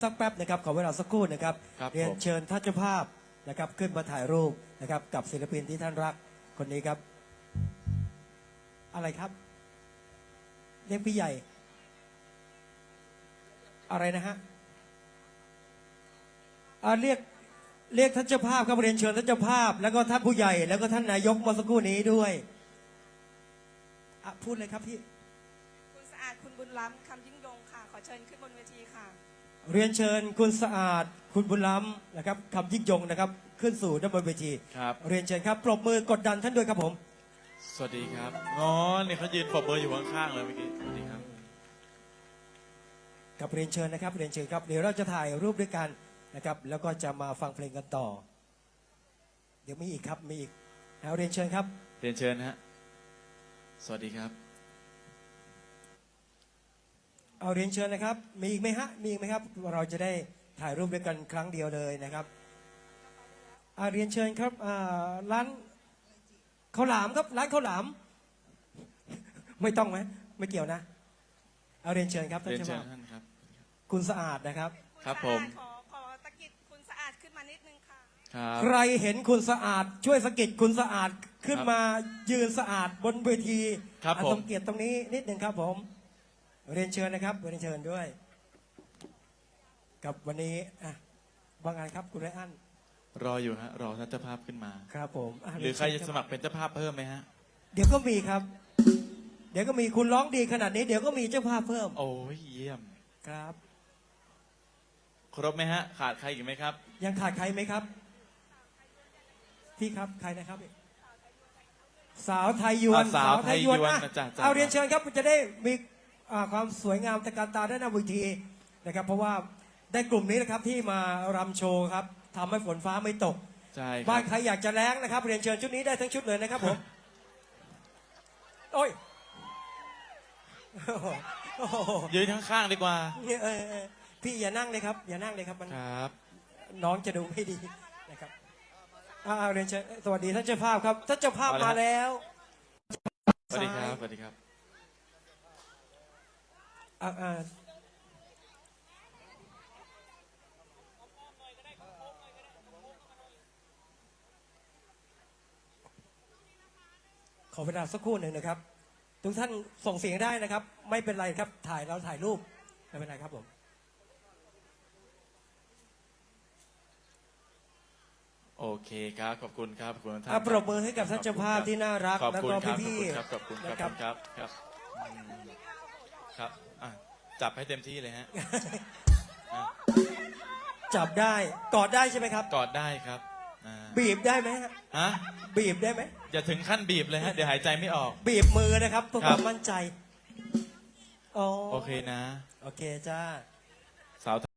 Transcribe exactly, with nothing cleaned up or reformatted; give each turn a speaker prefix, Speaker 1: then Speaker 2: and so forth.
Speaker 1: สักแป๊บนะครับขอเวลาสักครู่นะครับ
Speaker 2: ครับ
Speaker 1: เรียน
Speaker 2: ผม
Speaker 1: เชิญท่านเจ้าภาพนะครับขึ้นมาถ่ายรูปนะครับกับศิลปินที่ท่านรักคนนี้ครับ อะไรครับเรียกพี่ใหญ่ อะไรนะฮะอ่าเรียกเรียกท่านเจ้าภาพครับเรียนเชิญท่านเจ้าภาพ แล้วก็ท่านผู้ใหญ่แล้วก็ท่านนายกเมื่อสักครู่นี้ด้วยอ่ะพูดเลยครับพี่
Speaker 3: คุณสะอาดคุณบุญล้ำคำยิ่งยงค่ะ ขอเชิญขึ้นบนเวทีค่ะ
Speaker 1: เรียนเชิญคุณสะอาดคุณบุญล้ำนะครับคำยิ่งยงนะครับขึ้นสู่ด้านบนเวที
Speaker 2: ครับ
Speaker 1: เรียนเชิญครับปรบมือกดดันท่านด้วยครับผม
Speaker 2: สวัสดีครับอ๋อนี่เขายืนปรบมืออยู่ข้างๆเลยเมื่อกี้สวัสดีครับ
Speaker 1: กับเรียนเชิญนะครับเรียนเชิญครับเดี๋ยวเราจะถ่ายรูปด้วยกันนะครับแล้วก็จะมาฟังเพลงกันต่อ เดี๋ยวมีอีกครับมีอีกเอาเรียนเชิญครับ
Speaker 2: เรียนเชิญนะฮะสวัสดีครับ
Speaker 1: เอาเรียนเชิญนะครับมีอีกไหมฮะมีอีกไหมครับเราจะได้ถ่ายรูปด้วยกันครั้งเดียวเลยนะครับเอาเรียนเชิญครับอ่าร้านข้าวหลามครับร้านข้าวหลาม ไม่ต้องไหมไม่เกี่ยวนะเอาเรียนเชิญครับท่าน
Speaker 2: เรียน
Speaker 1: เจ้า
Speaker 2: เชิญ
Speaker 1: ภาพ
Speaker 2: ท่านครับ
Speaker 1: คุณสะอาดนะครับ
Speaker 2: ครับ
Speaker 3: ณสะอาด
Speaker 2: ผม
Speaker 3: ขอขอตะกิดคุณสะอาดขึ้นมานิดนึงค่ะ
Speaker 2: ครับ
Speaker 1: ใครเห็นคุณสะอาดช่วยสะกิดคุณสะอาดขึ้น
Speaker 2: ครับ
Speaker 1: มายืนสะอาดบนเวที
Speaker 2: ครับ
Speaker 1: อ่ะ
Speaker 2: ผม
Speaker 1: สมเกียรติตรงนี้นิดหนึ่งครับผมเรียนเชิญนะครับเรียนเชิญด้วย กับวันนี้อ่ะบางงานครับคุณไรอัน
Speaker 2: รออยู่ฮะรอท่านเจ้าภาพขึ้นมา
Speaker 1: ครับผมะ
Speaker 2: หรือใคร
Speaker 1: เยน
Speaker 2: จะ
Speaker 1: เญ
Speaker 2: สมัครเป็นเจ้าภาพเพิ่มไหมฮะ
Speaker 1: เดี๋ยวก็มีครับ เดี๋ยวก็มีคุณร้องดีขนาดนี้ เดี๋ยวก็มีเจ้าภาพเพิ่ม
Speaker 2: โอ้ยเยี่ยม
Speaker 1: ครับ
Speaker 2: ครบไหมฮะ ขาดใครอีกไหมครับ
Speaker 1: ยังขาดใครไหมครับพี่ครับใครนะครับ สาวไทยยวน
Speaker 2: อ่ะสาวไทยยวน
Speaker 1: อ่ะ
Speaker 2: นะจ๊ะจ๊ะ
Speaker 1: เอาเรียนเชิญครับจะได้มีอ่าความสวยงามตะการตาด้านหน้าเวทีนะครับ เพราะว่าได้กลุ่มนี้นะครับที่มารำโชว์ครับทำให้ฝนฟ้าไม่ตก
Speaker 2: ใช่ค
Speaker 1: บ้า
Speaker 2: รั
Speaker 1: น
Speaker 2: บ
Speaker 1: ใครอยากจะแล้งนะครับ เรียนเชิญชุดนี้ได้ทั้งชุดเลยนะครับผมโอ้ยโอ้โห
Speaker 2: ยืนข้างๆดีกว่า
Speaker 1: เออเออพี่อย่านั่งเลยครับ อย่านั่งเลยครับมัน
Speaker 2: ครับ
Speaker 1: น้องจะดูไม่ดีนะครับอ่าเอาเรียนเชิญสวัสดีท่านเจ้าภาพครับท่านเจ้าภาพมาแล้ว
Speaker 2: สวัสดีครับ สวัสดีครับ
Speaker 1: อ่าอ่าขอเวลาสักครู่หนึ่งนะครับ ทุกท่านส่งเสียงได้นะครับ ไม่เป็นไรครับถ่ายเราถ่ายรูปไม่เป็นไรครับผม
Speaker 2: โอเคครับ ขอบคุณครับ ขอบคุณท่าน
Speaker 1: อ่ะปรบมือให้กับท่านเจ้าภาพที่น่ารัก
Speaker 2: ขอบ
Speaker 1: แล้ว
Speaker 2: คุณ
Speaker 1: ก็
Speaker 2: ครับ
Speaker 1: พี่
Speaker 2: ขอบคุณ
Speaker 1: ๆ
Speaker 2: ครับ
Speaker 1: นะ
Speaker 2: ขอบคุณครับ ครับ ครับอืมครับอ่ะจับให้เต็มที่เลยฮะอ่ะ
Speaker 1: จับได้กอดได้ใช่ไหมครับ
Speaker 2: กอดได้ครับอ่า
Speaker 1: บีบได้ไหมฮะ
Speaker 2: ฮะ
Speaker 1: บีบได้ไหม
Speaker 2: อย่าถึงขั้นบีบเลยฮะ เดี๋ยวหายใจไม่ออก
Speaker 1: บีบมือนะครับเพื่อ
Speaker 2: ค
Speaker 1: ครับ วามมั่นใจอ๋อ
Speaker 2: โอเคนะ
Speaker 1: โอเคจ้า
Speaker 2: สาว